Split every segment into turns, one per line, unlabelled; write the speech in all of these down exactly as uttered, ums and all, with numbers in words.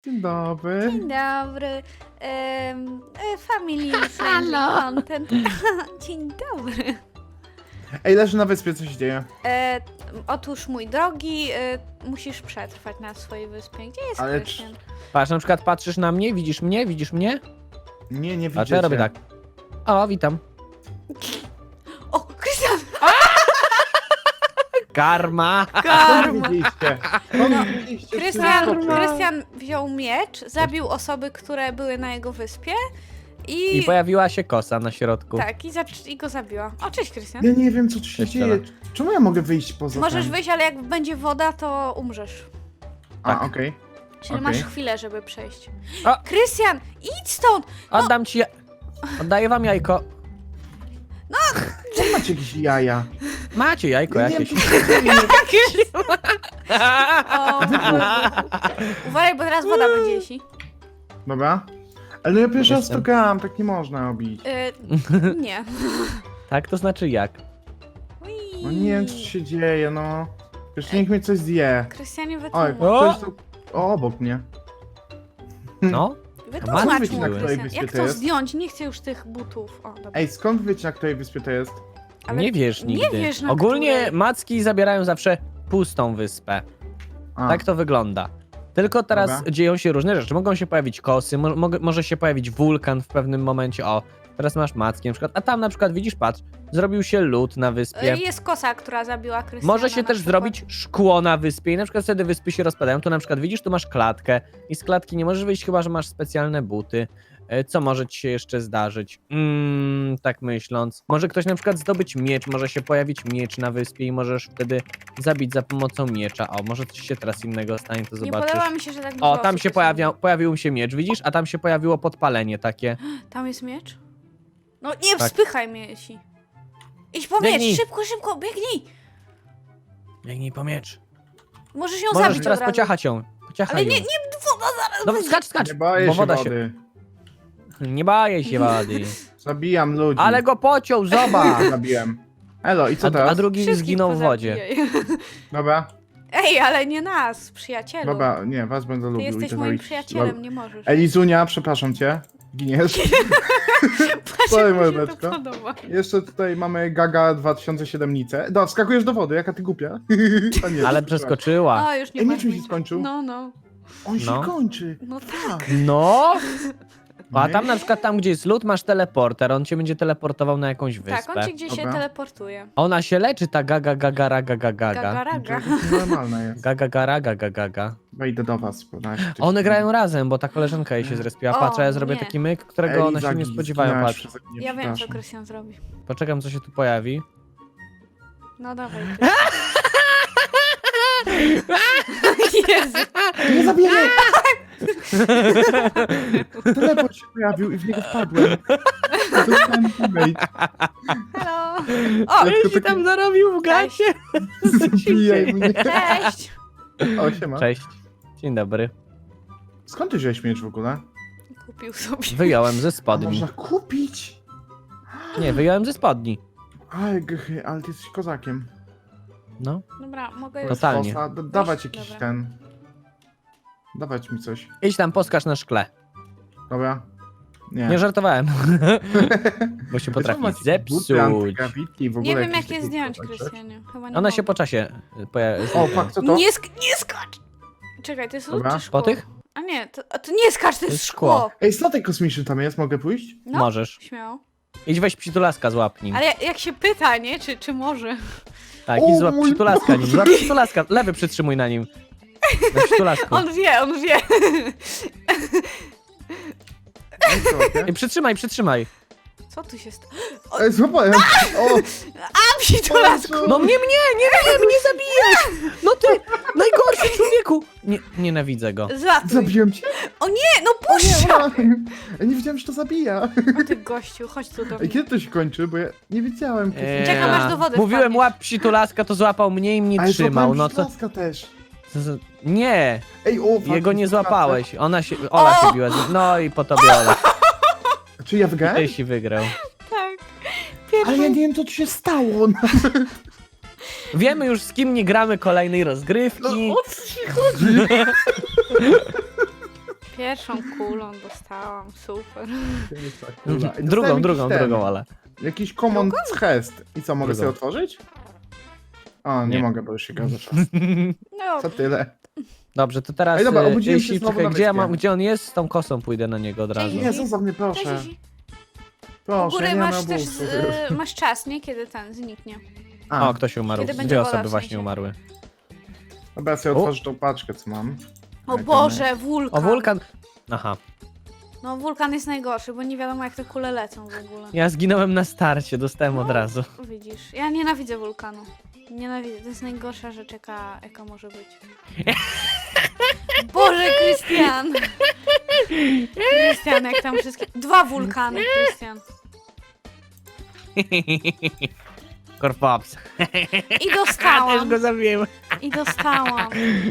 Dzień dobry.
Dzień dobry. Um, family friendly
Halo.
content. Dzień dobry.
Ej, leży na wyspie, co się dzieje?
E, otóż, mój drogi, e, musisz przetrwać na swojej wyspie. Gdzie jest
Ale
Krystian?
Patrz, na przykład patrzysz na mnie, widzisz mnie, widzisz mnie?
Nie, nie
A
widzicie.
to ja robię tak. O, witam.
O, Krystian!
Karma!
Skąd widzieliście? Skąd widzieliście?
Krystian,
Wszystko.
Krystian wziął miecz, zabił osoby, które były na jego wyspie i...
I pojawiła się kosa na środku.
Tak, i, za- i go zabiła. O, cześć, Krystian.
Ja nie wiem, co tu się
Cześć,
dzieje.
Ola.
Czemu ja mogę wyjść poza
Możesz
ten?
wyjść, ale jak będzie woda, to umrzesz.
A,
Tak.
okej.
Czyli
Okej.
masz chwilę, żeby przejść.
O!
Krystian, idź stąd!
Oddam ci... ja- Oddaję wam jajko.
Czemu macie jakieś jaja?
Macie jajko
Ja nie
jakieś.
wiem, co się dzieje.
O, uważaj, bo teraz woda będzie jeśli.
Dobra. Ale no ja pierwszy raz to
Jestem.
gram, tak nie można robić.
Y, nie.
Tak, to znaczy jak?
Ui.
No nie wiem, co się dzieje, no. Jeszcze niech mnie coś zje.
Krystianie,
Oj,
wytłumacz.
O!
ktoś tu... O, obok mnie.
No?
Wytłumacz
Matki
mu,
były. Na
której
Krystian.
wyspie
Jak
to
to
jest?
zdjąć? Nie chcę już tych butów. O, dobra.
Ej, skąd wiecie, na której wyspie to jest?
Ale
Nie wiesz
nie
nigdy.
wiesz, na
Ogólnie
której.
macki zabierają zawsze pustą wyspę.
A,
Tak to wygląda. Tylko teraz
Dobra.
dzieją się różne rzeczy. Mogą się pojawić kosy, mo mo może się pojawić wulkan w pewnym momencie. O, teraz masz macki na przykład. A tam na przykład widzisz, patrz, zrobił się lód na wyspie.
Y, Jest kosa, która zabiła Krystiana.
Może się
na
też
przykład.
zrobić szkło na wyspie i na przykład wtedy wyspy się rozpadają. Tu na przykład widzisz, tu masz klatkę i z klatki nie możesz wyjść, chyba że masz specjalne buty. E, Co może ci się jeszcze zdarzyć? Mm, tak myśląc. Może ktoś na przykład zdobyć miecz, może się pojawić miecz na wyspie i możesz wtedy zabić za pomocą miecza. O, może coś się teraz innego stanie, to
Nie
zobaczysz.
podoba mi się, że tak dużo
O, tam
osób
się
jest.
pojawia, pojawił się miecz, widzisz? A tam się pojawiło podpalenie takie.
Tam jest miecz? No nie
Tak.
spychaj mnie, jeśli. Idź po
Biegnij.
miecz, szybko, szybko, biegnij!
Biegnij po miecz.
Możesz ją
Możesz
zabić
teraz
od razu.
pociachać ją. Pociachaj
Ale nie,
ją.
nie, woda zaraz
No
będzie.
skacz, skacz,
Nie boję
bo
się
woda
wody.
Nie baję się wody.
Zabijam ludzi.
Ale go pociął, zobacz!
Zabiłem. Elo, i co
A,
teraz?
a drugi
Wszystkich
zginął w wodzie.
pozabijaj.
Dobra,
Ej, ale nie nas, przyjacielu.
dobra, nie, was będę
Ty
lubił. i
jesteś
to
moim
zrobić.
przyjacielem, nie możesz.
Elizunia, przepraszam cię. Giniesz.
Patrz,
Sorry,
jak mi się
mordeczko.
to podoba.
Jeszcze tutaj mamy Gaga dwa tysiące siedemnicę. No, wskakujesz do wody, jaka ty głupia. A nie,
Ale
przeskoczyła.
przeskoczyła.
O, już nie
Ej,
ma
miecz mi się
nic.
skończył.
No, no.
On się
No.
kończy.
No tak.
No! A
Nie?
tam na przykład, tam gdzie jest lód, masz teleporter. On cię będzie teleportował na jakąś wyspę.
Tak, on cię gdzieś się
Dobra.
teleportuje.
Ona się leczy, ta gaga gagara gaga gaga.
Gagaraga.
To normalne jest.
Gaga gara gaga gaga.
Wejdę do was. podaję ci coś.
One grają razem, bo ta koleżanka jej się zrespiła.
O,
Patrz, a ja zrobię
nie.
taki myk, którego one się
Eliza,
nie spodziewają.
zginęłaś
Patrz.
przeze mnie,
Ja wiem, co
przepraszam.
Krystian zrobi.
Poczekam, co się tu pojawi.
No dawaj, Krystian. Jezu.
Nie zabijaj! Teleport się pojawił i w niego wpadłem. Dostałem teammate.
Hello. O,
Jak to
Ci tam zarobił w gacie.
Zabijaj mnie.
cześć.
O, siema.
Cześć. Dzień dobry.
Skąd ty wziąłeś miecz w ogóle?
Kupił sobie.
Wyjąłem ze
A
spodni.
można kupić?
Nie, wyjąłem ze spodni.
Aj, gchy, ale ty jesteś kozakiem.
No.
Dobra, mogę już.
Totalnie.
Kosa, d- dawać jakiś
Dobra.
ten... Dawać mi coś.
Idź tam, poskacz na szkle.
Dobra. Nie.
Nie żartowałem. Bo się
Czemu
potrafi
macie buty
zepsuć.
antygrawitki i w ogóle
Nie wiem,
jakieś
jak je
takie
zdjąć,
rzeczy?
Krystianie. Chyba nie
Ona
mogę.
się po czasie pojawi.
O, fuck, co to?
Nie, sk nie skacz! Czekaj, to jest lód
Dobra.
czy szkło?
Po tych?
A nie, to, a to nie skacz, to jest
jest
szkło.
szkło.
Ej, statek kosmiczny tam jest, mogę pójść?
No,
Możesz.
śmiało.
Idź weź przytulaska, złap nim.
Ale jak, jak się pyta, nie? Czy, czy może?
Tak,
O
i złap
mój
przytulaska nim. Złap przytulaska. Lewy przytrzymuj na nim. Na przytulasku.
On wie, on wie.
Ej, co, okej?
I przytrzymaj, przytrzymaj.
Co tu się stało?
Ej, złapałem! O!
A, psitulasku!
No mnie, mnie, nie, nie, mnie zabijesz! No ty, najgorszy człowieku! Nie, nienawidzę go.
Zlatuj.
Zabiłem cię?
O nie, no
O
puść!
nie! Ja nie wiedziałem, że to zabija.
O ty gościu, chodź tu do mnie.
Ej, kiedy to się kończy? Bo ja nie wiedziałem. kiedy-
Eee,
Czekam, aż do wody
Mówiłem
wpadniesz.
łap przytulaska, to złapał mnie i mnie
Ale
trzymał.
złapałem
No co?
Śląska też.
co za- Nie,
Ej, o, fuck,
jego nie
współpracę.
złapałeś. Ona się, Ola się biła. z- No i po tobie Ola.
Czy ja wygrałem?
Ty się wygrał.
Tak.
Ale ja nie wiem, co tu się stało. No,
Wiemy już, z kim nie gramy kolejnej
no
rozgrywki.
o co ci chodzi?
Pierwszą kulą dostałam, super.
Kula. I
Drugą,
dostałem
drugą,
jakiś ten,
drugą, ale.
Jakiś command chest. I co, mogę
Drugą.
sobie otworzyć? O, nie,
Nie.
mogę, bo już się gaza czas.
No,
Co tyle?
Dobrze, to teraz.
Ej, dobra,
e,
obudziłem się
jeśli,
znowu
czekaj,
na
gdzie, ja
wyspie.
mam, gdzie on jest, z tą kosą pójdę na niego od razu.
Nie, zostaw mnie, proszę.
cześć, Zizi. U
Proszę,
góry
ja nie
masz
mam
też,
obusu.
y, masz czas, nie? Kiedy ten zniknie.
A,
O, ktoś umarł.
Kiedy będzie
Dwie
woda,
osoby
w
właśnie
sensie.
umarły.
dobra, ja sobie
O.
otworzę tą paczkę, co mam.
O
Ej,
Boże, wulkan.
O, wulkan. Aha.
No wulkan jest najgorszy, bo nie wiadomo jak te kule lecą w ogóle.
Ja zginąłem na starcie, dostałem od
No.
razu.
Widzisz, ja nienawidzę wulkanu. Nienawidzę, to jest najgorsza rzecz jaka, jaka może być. Boże, Krystian! Krystian, jak tam wszystkie... Dwa wulkany, Krystian.
Korpops.
I
A, też
dostałam,
go zabiłem.
i dostałam.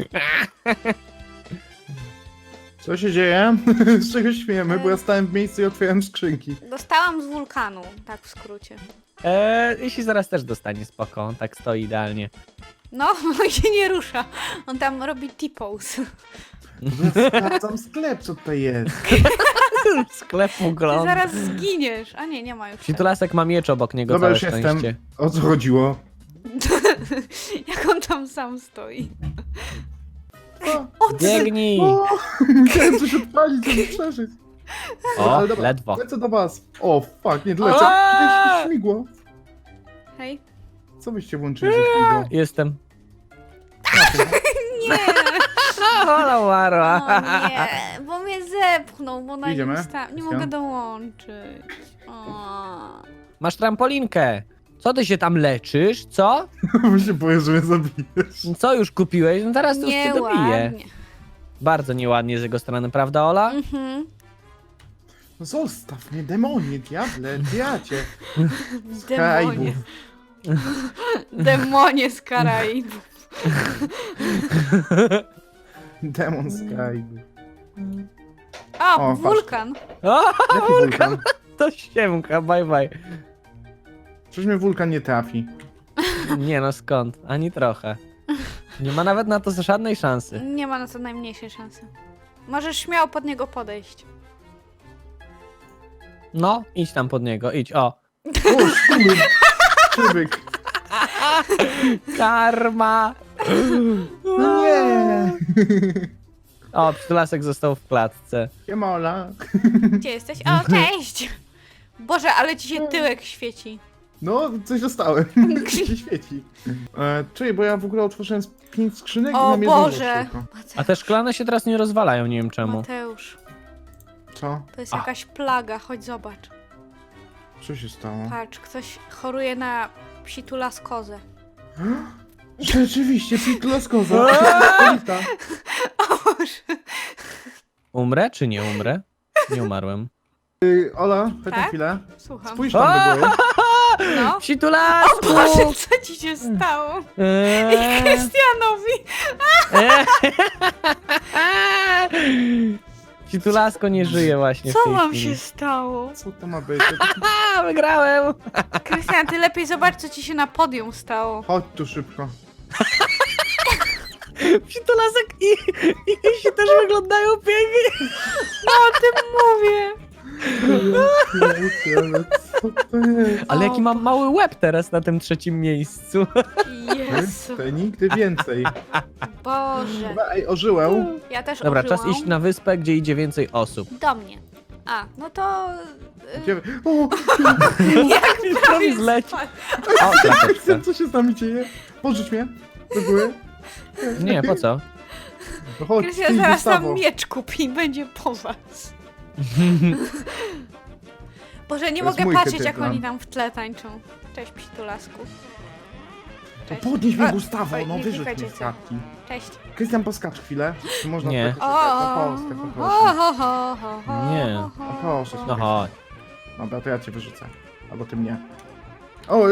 Co się dzieje? Z czego śmiejemy? Bo ja stałem w miejscu i otwierałem skrzynki.
Dostałam z wulkanu, tak w skrócie.
Eee, jeśli zaraz też dostanie spoko, on tak stoi idealnie.
No, on się nie rusza. On tam robi T-pose.
Ja sprawdzam sklep, co tutaj jest.
Sklep
Ty
ugląd.
zaraz zginiesz. A nie, nie ma już.
Psitulasek ma miecz obok niego,
Dobra,
całe
już jestem.
szczęście.
O co chodziło?
Jak on tam sam stoi.
O,
O, ty...
Biegnij!
o, musiałem coś odpalić, żeby przeżyć.
O,
Ale dobra,
ledwo.
Lecę do was. O, fuck, nie lecę.
Aaaa!
Jakieś śmigło.
Hej.
Co byście włączyli, że śmigło?
Jestem.
Nie!
Hola, Maro.
O nie, bo mnie zepchnął, bo na
Idziemy?
nim sta... Nie
Christian?
mogę dołączyć. O.
Masz trampolinkę. Co ty się tam leczysz? Co?
Bo się boję, że mnie zabijesz.
Co już kupiłeś? No teraz to już cię dobiję.
Nieładnie.
Bardzo nieładnie z jego strony, prawda, Ola?
Mhm.
No zostaw mnie, demonie, diable, diacie.
Demonie.
Karaibów.
Demonie z Karaibów.
Demon Sky.
O,
O,
wulkan.
O,
Jaki wulkan?
to siemka, bye bye.
Przecież mnie wulkan nie trafi.
Nie no, skąd? Ani trochę. Nie ma nawet na to żadnej szansy.
Nie ma na to najmniejszej szansy. Możesz śmiało pod niego podejść.
No, idź tam pod niego, idź, o.
O, szkuby. Krzywyk.
Karma!
No nie.
O, Pszczelasek został w klatce.
Siema, Ola.
Gdzie jesteś? O, cześć! Boże, ale ci się tyłek świeci.
No, coś dostałem. się świeci. E, czyli, bo ja w ogóle otworzyłem z pięć skrzynek i
O
mam jedną
Boże!
rzecz tylko.
A te szklane się teraz nie rozwalają, nie wiem czemu.
Mateusz,
Co?
to jest
A.
jakaś plaga, chodź zobacz.
Co się stało?
Patrz, ktoś choruje na psitulaskozę.
Rzeczywiście, pitlaskoza.
O Boże.
Umrę czy nie umrę? Nie umarłem.
Ola, chodź na
Tak?
chwilę.
Słucham.
Spójrz tam do góry.
No.
Psitulasku!
O Boże, co ci się stało? I
Eee,
Krystianowi!
eee. Psitulasko nie żyje właśnie w
Co
tej
wam
chwili.
się stało?
Co to ma być?
A, wygrałem!
Krystian, ty lepiej zobacz, co ci się na podium stało.
Chodź tu szybko.
Psitulasek i, i Krysi też wyglądają pięknie.
No o tym mówię.
Ale co to jest?
Ale
O
jaki mam mały łeb teraz na tym trzecim miejscu.
Jezu,
To nigdy więcej.
Boże.
Dobra, ej, ożyłę.
Ja też
Dobra,
użyłam.
czas iść na wyspę, gdzie idzie więcej osób.
Do mnie. A, no to...
Gdzie...
Yy,
O,
jak prawie
zleci.
spadł.
O, klateczka.
Krystian, co się z nami dzieje? Pożycz mnie. Do góry.
Nie, po co?
No chodź,
Krystian
ty,
zaraz
Gustavo.
tam miecz kupi i będzie po was. Boże, nie
To jest
mogę
mój
patrzeć,
chytry
jak
plan.
oni tam w tle tańczą. Cześć, psitulasku.
No
Cześć.
podnieś mnie,
A,
Gustavo,
oj,
no
nie
wyrzuć
klikajcie
mnie z
co.
klatki.
Cześć.
Krystian, poskacz chwilę. Czy można
Nie.
tak-
O,
No Polskę,
o,
poproszę.
ho, ho, ho, ho,
Nie.
ho,
No
ho.
proszę cię.
No chodź.
Dobra, to ja cię wyrzucę. Albo ty mnie. O!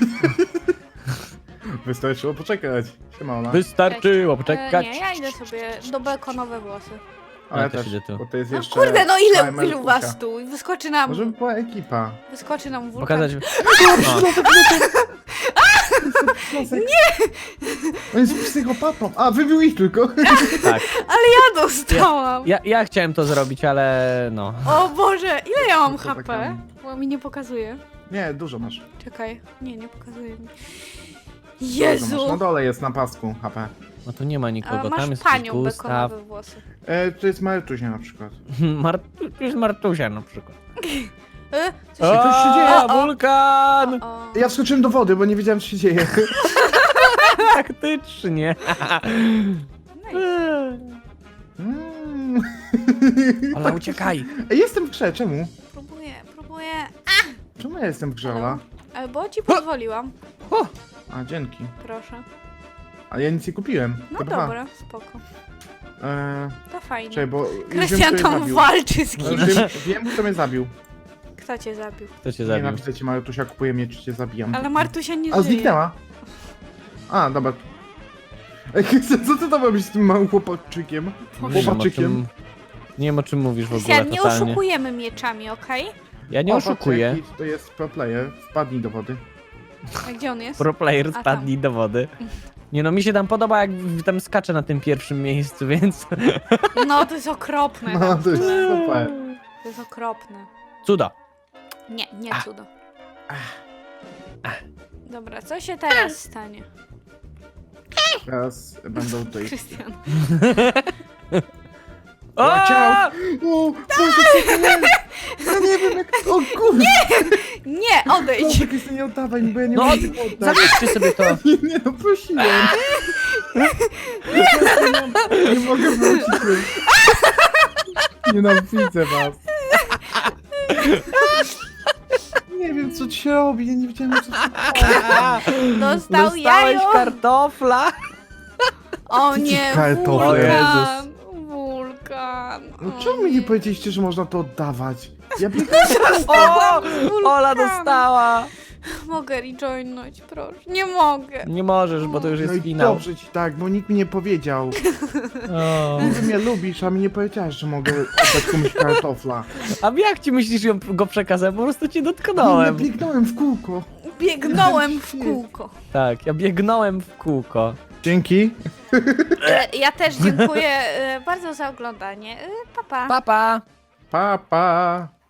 Wystarczyło poczekać. Siema, Ola.
Wystarczyło
E,
poczekać.
nie, ja idę sobie do bekonowe włosy.
A ja
Ja też
też,
idę tu.
bo to jest
No
jeszcze...
kurde, no ile,
Timer
ilu was
Kusia.
tu? I wyskoczy nam,
Może by była ekipa.
wyskoczy nam wulkan.
Pokazać. No.
Nie! On jest psychopatą. A, wybił ich tylko.
Tak.
Ja dostałam.
Ja, ja chciałem to zrobić, ale no.
O Boże, ile ja mam
To
H P?
taka-
Bo mi nie pokazuje.
Nie, dużo masz.
Czekaj, nie, nie pokazuje mi.
Dużo
Jezu!
masz. Na dole jest na pasku H P.
No tu nie ma
A
nikogo,
masz
tam jest
panią
Gustaw.
bekonowe włosy.
E, to jest Martusia na przykład.
Mar tu jest Martusia na przykład.
E, co się...
coś się dzieje.
A,
O, o.
wulkan!
O,
Ja wskoczyłem do wody, bo nie wiedziałem, co się dzieje.
Faktycznie.
no i
Mm.
Ola, uciekaj.
Ej, jestem w grze, czemu?
próbuję, próbuję.
Czemu ja jestem w grze, Ola?
E, Bo ci pozwoliłam.
A, dzięki.
Proszę.
Ale ja nic nie kupiłem.
No
To dwa.
dobra, spoko.
E,
To fajnie.
czekaj, bo już
Krystian
wiem, kto mnie
tam
zabił.
walczy z
No,
kimś.
Wiem, wiem, kto mnie zabił.
Kto cię zabił?
Kto cię zabił?
Nienawidzę cię, Martusia, kupuję mnie, czy cię zabijam.
Ale Martusia nie
A,
żyje.
zniknęła. A, dobra. Ej, co ty tam robisz z tym małym chłopaczykiem?
Nie wiem, o
Chłopaczykiem?
czym, nie wiem o czym mówisz w ogóle
Krystian, nie
totalnie.
oszukujemy mieczami, okej?
Ja nie
O, patrz,
oszukuję.
jaki To jest pro player, wpadnij do wody.
A gdzie on jest?
Pro player
A tam.
spadli do wody. Nie no, mi się tam podoba, jak tam skacze na tym pierwszym miejscu, więc...
No, to jest okropne.
No, to jest super.
To jest okropne.
Cudo.
Nie, nie cudo. Dobra, co się teraz stanie?
Teraz będą tutaj...
Krystian.
O!
Łaciał! O, Boże, co to jest? Ja nie wiem jak... O kurde!
Nie, odejdź!
Proszę, Krystian, nie oddawaj mi, bo ja nie
No,
mogę tego oddać.
zabierzcie sobie to.
Nie, nie, no prosiłem. Nie mogę wrócić już. Nienawidzę was. Nie wiem co ci się robi, ja nie wiedziałem co to
Dostał
Dostałeś
jajo!
kartofla.
O
Ty ci
nie,
kartofle.
O
wulkan! Wulkan!
No
o
czemu mi nie powiedzieliście, że można to oddawać? Ja biegałem.
O!
Wulkan.
Ola dostała.
Mogę rejoinąć, proszę. Nie mogę.
Nie możesz, bo to już
No
jest
i
finał.
dobrze ci tak, bo nikt mi nie powiedział.
O.
Ty mnie lubisz, a mi nie powiedziałeś, że mogę oddać komuś kartofla.
A jak ci myślisz, ją go przekazałem? Po prostu cię
Nie,
dotknąłem.
biegnąłem w kółko.
Biegnąłem w kółko.
Tak, ja biegnąłem w kółko.
Dzięki.
E, Ja też dziękuję e, bardzo za oglądanie. E, Pa, pa.
Pa, pa.
Pa, pa.